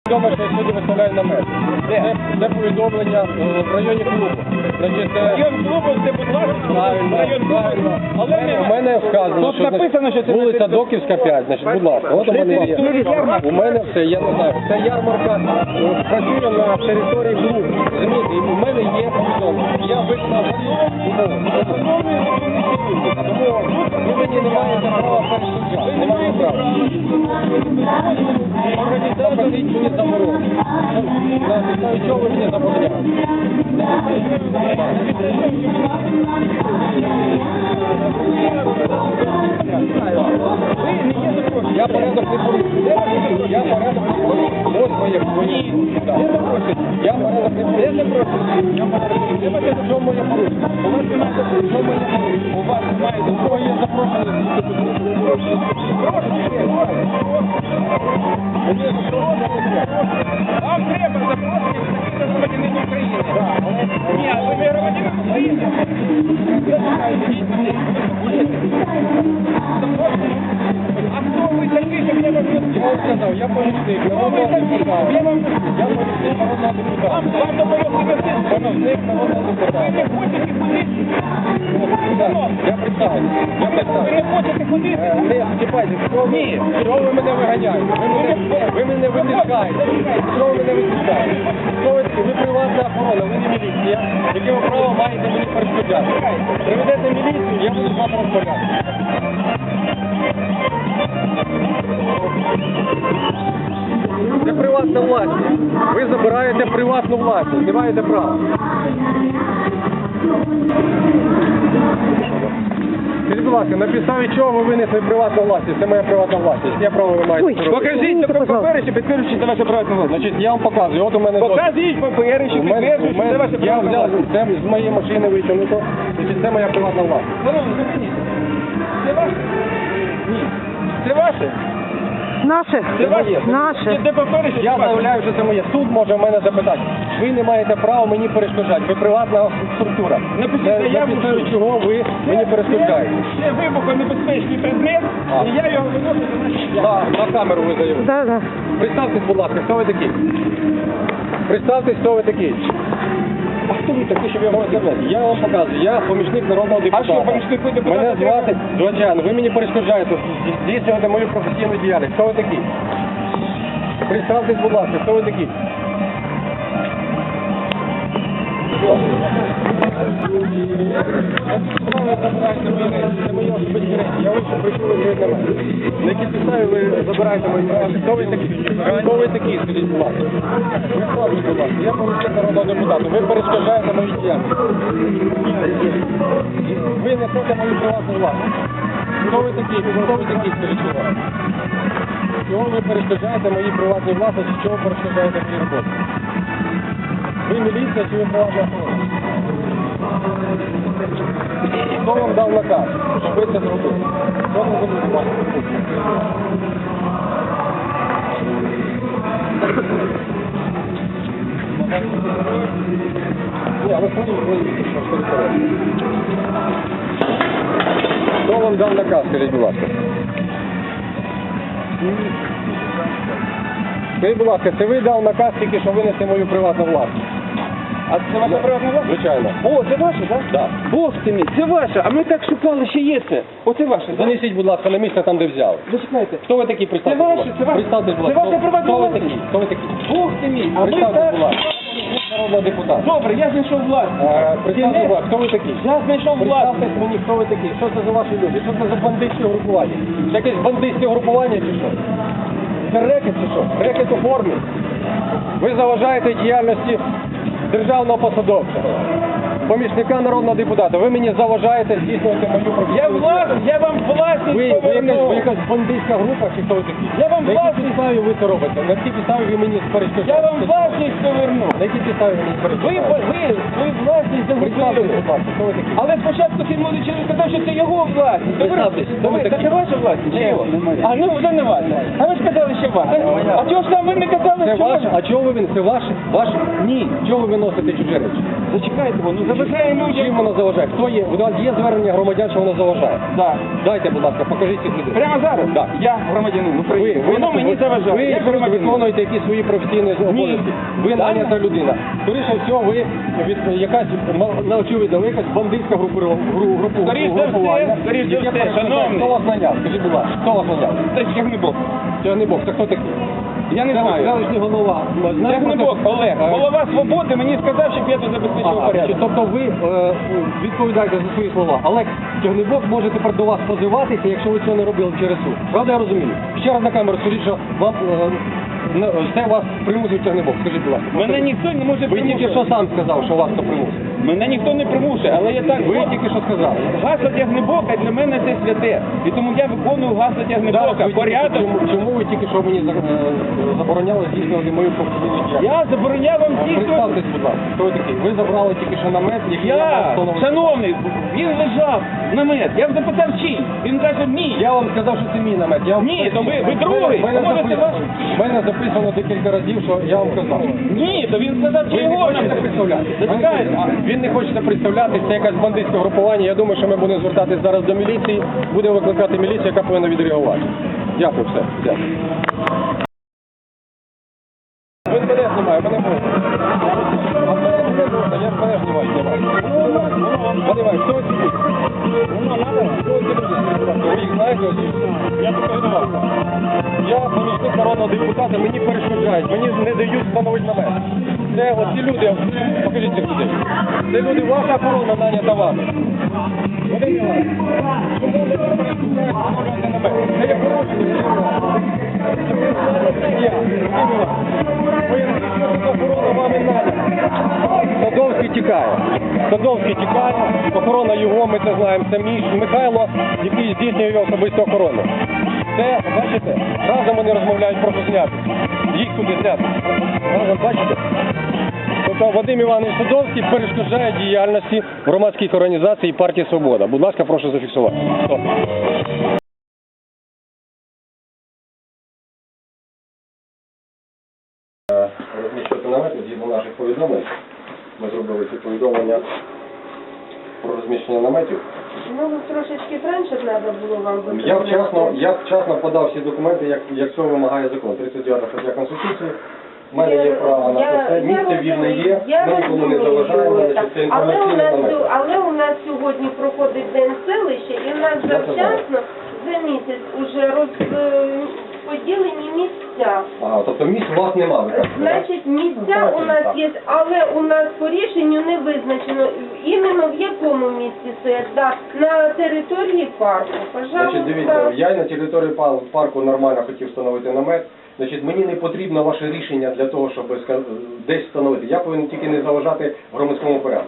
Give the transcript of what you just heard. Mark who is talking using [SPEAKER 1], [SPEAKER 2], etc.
[SPEAKER 1] Відомо, що я сьогодні виставляю намет. Це повідомлення в районі клубу.
[SPEAKER 2] Район клубу, це, будь ласка, район клубу. Але
[SPEAKER 1] У мене вказано,
[SPEAKER 2] тут написано, що це
[SPEAKER 1] вулиця Доківська, 5, значить, будь ласка, от у мене є. У мене все, я не знаю, це ярмарка працює на території клубу. Розумієте, і у мене є повідомлення. Я виконав тому ви мені не маєте права перешкоджати. Ви не маєте права. Організатор мені заборонено. На підставі чого ви мені забороняєте? Я порядок не порушую. Я порядок не порушую. Ось моє свої. Я порядок не порушую. Що моє порушення? У вас немає запрошення. Що моє порушення? У вас немає запрошення. Є запрошення.
[SPEAKER 2] вам треба запрошення таких громадянин України. Ні, а ви не громадянин України. А хто ви такий, щоб я вас не
[SPEAKER 1] сказав, я помічник. Я помічник народного депутата.
[SPEAKER 2] Вам допомогти
[SPEAKER 1] Помічник народного депутата.
[SPEAKER 2] ви не хочете ходити?
[SPEAKER 1] Я представлю.
[SPEAKER 2] Ви не хочете ходити?
[SPEAKER 1] Не, чіпайте, що ви мене виганяєте? Ви мене витискаєте. Що ви мене витискаєте? Ви приватна охорона, ви не міліція. Яке ви право маєте мені перешкоджати? Приведете міліцію, я буду з вами розмовляти. Це приватна власність. Ви забираєте приватну власність, не маєте права. Скажіть, будь ласка, на підставі чого ви винесли приватну власність? Це моя приватна власність. Я право ви маєте це робити.
[SPEAKER 2] Покажіть папери, що підтверджують, це ваша приватна власність.
[SPEAKER 1] Значить, я вам показую. От у мене
[SPEAKER 2] Покажіть папери, що підтверджують, що це ваша
[SPEAKER 1] я
[SPEAKER 2] приватна
[SPEAKER 1] взяв
[SPEAKER 2] власність.
[SPEAKER 1] це з моєї машини витягнуто. Значить, це моя приватна власність.
[SPEAKER 2] Шановні, зупиніть. Це ваше? Ні. Це ваше?
[SPEAKER 3] Наше.
[SPEAKER 2] Це ваше?
[SPEAKER 3] Наше.
[SPEAKER 2] Де папери, що
[SPEAKER 1] Я
[SPEAKER 2] це ваше?
[SPEAKER 1] заявляю, що це моє. Суд може в мене запитати. Ви не маєте права мені перешкоджати. Ви приватна структура.
[SPEAKER 2] Напишіть
[SPEAKER 1] На
[SPEAKER 2] заяву,
[SPEAKER 1] підставі
[SPEAKER 2] що-
[SPEAKER 1] чого ви мені перешкоджаєте?
[SPEAKER 2] Це вибухонебезпечний предмет, і я його виношу на наш
[SPEAKER 1] На камеру ви заявили.
[SPEAKER 3] Да.
[SPEAKER 1] Представтесь, будь ласка, хто ви такий? Представтесь, хто ви такий. А хто ви такий, щоб я вам сказати? Я вам показую, я помічник народного депутата.
[SPEAKER 2] що, помічник депутата
[SPEAKER 1] Мене
[SPEAKER 2] треба?
[SPEAKER 1] звати Звичайно, ви мені перешкоджаєте здійснювати мою професійну діяльність. Хто ви такий? Представтесь, будь ласка, хто ви такий? Це мої особисті речі. Я вийшов, прийшов ви на мене. На якій підставі ви забираєте мої права? Хто ви такі? Хто ви такі, скажіть, будь ласка? Представтесь, будь ласка. Я помічник народного депутата. Ви перешкоджаєте мої діяльність. Ви несете мою приватну власність. Хто ви такі? Хто ви такі, скажіть, будь ласка? Чого ви перешкоджаєте моїй приватній власності? Чого перешкоджаєте моїй роботі? Ви міліція чи ви приватна охорона? Хто вам дав наказ, щоб ви це зробили? Хто не зробив вас? Ні, але хто вам дав наказ, скажіть, будь ласка? Скажіть, будь ласка, це ви дав наказ тільки, що винести мою приватну власність?
[SPEAKER 2] А це ваша приватна власність?
[SPEAKER 1] Звичайно.
[SPEAKER 2] О, це ваше, так?
[SPEAKER 1] Так.
[SPEAKER 2] Бог ти мій, це ваше, а ми так шукали, що є це. Оце ваше, так?
[SPEAKER 1] Занесіть, будь ласка, на місце там, де взяли.
[SPEAKER 2] Зачекайте.
[SPEAKER 1] Хто ви такі? Представтесь,
[SPEAKER 2] Це
[SPEAKER 1] будь
[SPEAKER 2] ваше,
[SPEAKER 1] ласка.
[SPEAKER 2] це ваше.
[SPEAKER 1] Представтесь, будь
[SPEAKER 2] Це
[SPEAKER 1] ласка.
[SPEAKER 2] ваша приватна
[SPEAKER 1] Хто ви
[SPEAKER 2] власність.
[SPEAKER 1] такі? Хто ви такі?
[SPEAKER 2] Бог ти мій, а ми
[SPEAKER 1] Представтесь,
[SPEAKER 2] так...
[SPEAKER 1] будь ласка. Народного депутата.
[SPEAKER 2] Добре, я знайшов власність.
[SPEAKER 1] Представтесь, будь ласка, хто ви такі?
[SPEAKER 2] Я знайшов власність.
[SPEAKER 1] Представтесь мені, хто ви такі? Що це за ваші люди? Що це за бандитське групування? Це якесь бандитське групування чи що? Це рекет чи що? Рекет у формі. Ви заважаєте діяльності державного посадовця, помічника народного депутата. Ви мені заважаєте здійснювати мою професію.
[SPEAKER 2] Я вам власність
[SPEAKER 1] Ви
[SPEAKER 2] поверну.
[SPEAKER 1] якась бандитська група чи хто ви такі?
[SPEAKER 2] Я вам
[SPEAKER 1] На якій
[SPEAKER 2] власність-
[SPEAKER 1] підставі ви це робите? На якій підставі ви мені перешкоджаєте?
[SPEAKER 2] Я вам власність поверну.
[SPEAKER 1] На якій підставі ви мені
[SPEAKER 2] Ви
[SPEAKER 1] перешкоджаєте?
[SPEAKER 2] власність
[SPEAKER 1] Представтесь,
[SPEAKER 2] загубили.
[SPEAKER 1] будь ласка, хто ви такі?
[SPEAKER 2] Але спочатку цей молодий чоловік сказав, що це його власність.
[SPEAKER 1] Представтесь, хто ви такі?
[SPEAKER 2] Це ваша власність? Чи його?
[SPEAKER 1] немає.
[SPEAKER 2] А ну вже не ваша. А ви ж казали, що ваша. А чого ж там ви не казали,
[SPEAKER 1] Це
[SPEAKER 2] що
[SPEAKER 1] ваше?
[SPEAKER 2] ваша?
[SPEAKER 1] А чого ви він? Це ваше? Ваше? Ні. Чого ви виносите чужі речі?
[SPEAKER 2] Зачекайте, ну заважає людям.
[SPEAKER 1] Чим воно заважає? Хто є? У нас є звернення громадян, що воно заважає.
[SPEAKER 2] Да.
[SPEAKER 1] Дайте, будь ласка, покажіть цих людей.
[SPEAKER 2] Прямо зараз?
[SPEAKER 1] Да.
[SPEAKER 2] Я громадянин України. Воно мені заважає.
[SPEAKER 1] Ви
[SPEAKER 2] Я громадянин.
[SPEAKER 1] виконуєте якісь свої професійні обов'язки. Ви нанята людина. Скоріше всього, ви якась, на очевидно, ви якась бандитська
[SPEAKER 2] Скоріше за все, скоріше за все, шановний.
[SPEAKER 1] Хто вас наняв? Скажіть, будь ласка, хто вас наняв?
[SPEAKER 2] Це Тягнебок.
[SPEAKER 1] Тягнебок, це хто такий?
[SPEAKER 2] Я не знаю.
[SPEAKER 1] Селищний голова.
[SPEAKER 2] Тягнебок Олег, голова Свободи, мені сказав, щоб я тут забезпечив
[SPEAKER 1] Ага,
[SPEAKER 2] порядок.
[SPEAKER 1] тобто ви відповідаєте за свої слова. Олег Тягнебок може тепер до вас позиватися, якщо ви цього не робили через суд. Правда, я розумію? Ще раз на камеру скажіть, що вам це вас примусив Тягнебок. Скажіть, будь ласка.
[SPEAKER 2] Мене ніхто не може
[SPEAKER 1] Ви тільки що
[SPEAKER 2] примусити.
[SPEAKER 1] сам сказав, що вас хто примусив.
[SPEAKER 2] Мене ніхто не примушує, але я так...
[SPEAKER 1] Ви тільки що сказали.
[SPEAKER 2] Гасло Тягнебока для мене це святе. І тому я виконую гасло Тягнебока.
[SPEAKER 1] Ви тільки-
[SPEAKER 2] Порядок.
[SPEAKER 1] Чому ви тільки що мені забороняли здійснювати мою професійну діяльність?
[SPEAKER 2] Я забороняв вам здійснювати.
[SPEAKER 1] Представтесь, будь ласка, хто ви такий? Ви забрали тільки що намет, який я
[SPEAKER 2] Я,
[SPEAKER 1] встановив.
[SPEAKER 2] шановний, він лежав намет. Я запитав чий. Він каже, мій.
[SPEAKER 1] Я вам сказав, що це мій намет. Я вам
[SPEAKER 2] Ні, то ви
[SPEAKER 1] В
[SPEAKER 2] другий.
[SPEAKER 1] мене
[SPEAKER 2] Може, це
[SPEAKER 1] записано-
[SPEAKER 2] ваш?
[SPEAKER 1] в мене записано декілька разів, що я вам казав.
[SPEAKER 2] Ні, то він сказав, чи
[SPEAKER 1] Ви не
[SPEAKER 2] його
[SPEAKER 1] хочете
[SPEAKER 2] намет.
[SPEAKER 1] представляти.
[SPEAKER 2] Зачекайте.
[SPEAKER 1] Він не хоче представляти, це якесь бандитське групування. Я думаю, що ми будемо звертатись зараз до міліції, будемо викликати міліцію, яка повинна відреагувати. Дякую, все. Дякую. Ви мене знімає, мене можна. А мене не можна, я мене знімаю. Знімаю, хто ці люди? Хто ці люди? Ви їх знаєте? Я покажу. Я помічник народного депутата, мені перешкоджають, мені не дають встановити намет. Це оці люди, покажіть цих людей. Це люди, ваша охорона нанята вами. Вони не вас. Чому ви не перешкоджаєте встановлювати намет? Це є порушення. Я. Охорона вами нанята. Садовський тікає. Садовський тікає, охорона його, ми це знаємо, це Михайло, який здійснює його особисту охорону. Це, бачите, разом вони розмовляють про зняти. Їх туди зняти. Разом, бачите? Тобто Вадим Іванович Садовський перешкоджає діяльності громадських організацій і партії «Свобода». Будь ласка, прошу зафіксувати. Стоп. Розміщувати намети згідно наших повідомлень. Ми зробили ці повідомлення про розміщення наметів.
[SPEAKER 3] Ну, трошечки раніше треба було вам
[SPEAKER 1] Я вчасно подав всі документи, як цього вимагає закон. 39 стаття Конституції. У мене є право на це. Місце вільне є, ми нікому не заважаємо, значить це інформаційний намет.
[SPEAKER 3] Але у нас сьогодні проходить День селища, і у нас завчасно за місяць уже розподілені місця.
[SPEAKER 1] Ага, тобто місць у вас немає.
[SPEAKER 3] Значить, місця у нас є, але у нас по рішенню не визначено, іменно в якому місці стоять. Да, на території парку.
[SPEAKER 1] Значить, дивіться,
[SPEAKER 3] Пожалуйста.
[SPEAKER 1] я на території парку нормально хотів встановити намет. Значить, мені не потрібно ваше рішення для того, щоб десь встановити. Я повинен тільки не заважати громадському порядку.